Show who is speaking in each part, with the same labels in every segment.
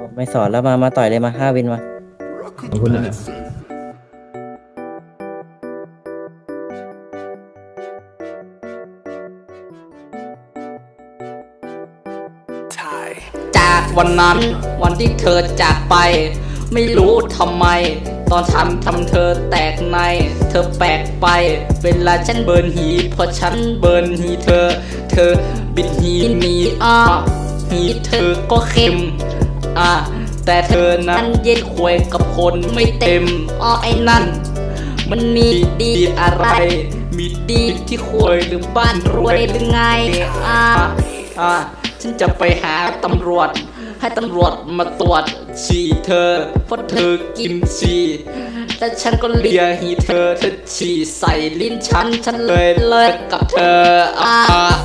Speaker 1: ไม่สอนแล้วมาต่อยเลยมา5 วินมา
Speaker 2: ขอบคุณนะ
Speaker 3: จากวันนั้นวันที่เธอจากไป ไม่รู้ทำไม ตอนทำเธอแตกใน เธอแปลกไป เวลาฉันเบิร์นหีพอฉันเบิร์นหีเธอบิดหีหนีหีเธอก็เค็มแต่เธอนั้นเย็นควยกับคนไม่เต็มไอ้นั่น มันมีดีอะไร มีดีที่ควยหรือบ้านรวยหรือไงฉันจะไปหาตำรวจ ให้ตำรวจมาตรวจฉี่เธอ เพราะเธอกินฉี่แต่ฉันก็เลียหีเธอฉี่ใส่ลิ้นฉันเลยเลิกกับเธอ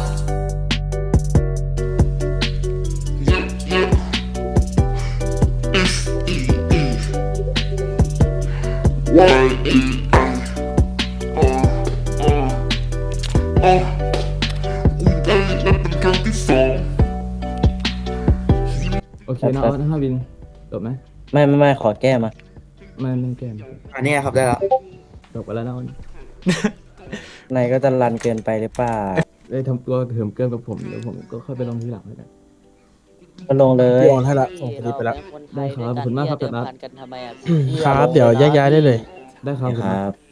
Speaker 2: โอเคนะเอา5 วินจบไหม
Speaker 1: ไม่ขอแก้มา
Speaker 2: ไม่แก้ม
Speaker 4: อันนี้ครับได้แล้ว
Speaker 2: จบไปแล้วนะ
Speaker 1: นายก็จะรันเกินไปหรือเปล่า
Speaker 2: ได้ทำตัวเถิมเกินกับผมเดี๋ยวผมก็ค่อยไปลงทีหลังแล้วกัน
Speaker 1: ก็ลงเลย
Speaker 4: พี่โอนให้ละส่งคดีไปแล้ว
Speaker 2: ได้ครับขอบคุณมากครับจัดนัด
Speaker 5: ครับ เดี๋ยวแยกย้ายได้เลย
Speaker 2: ได้ครับ
Speaker 1: ครับ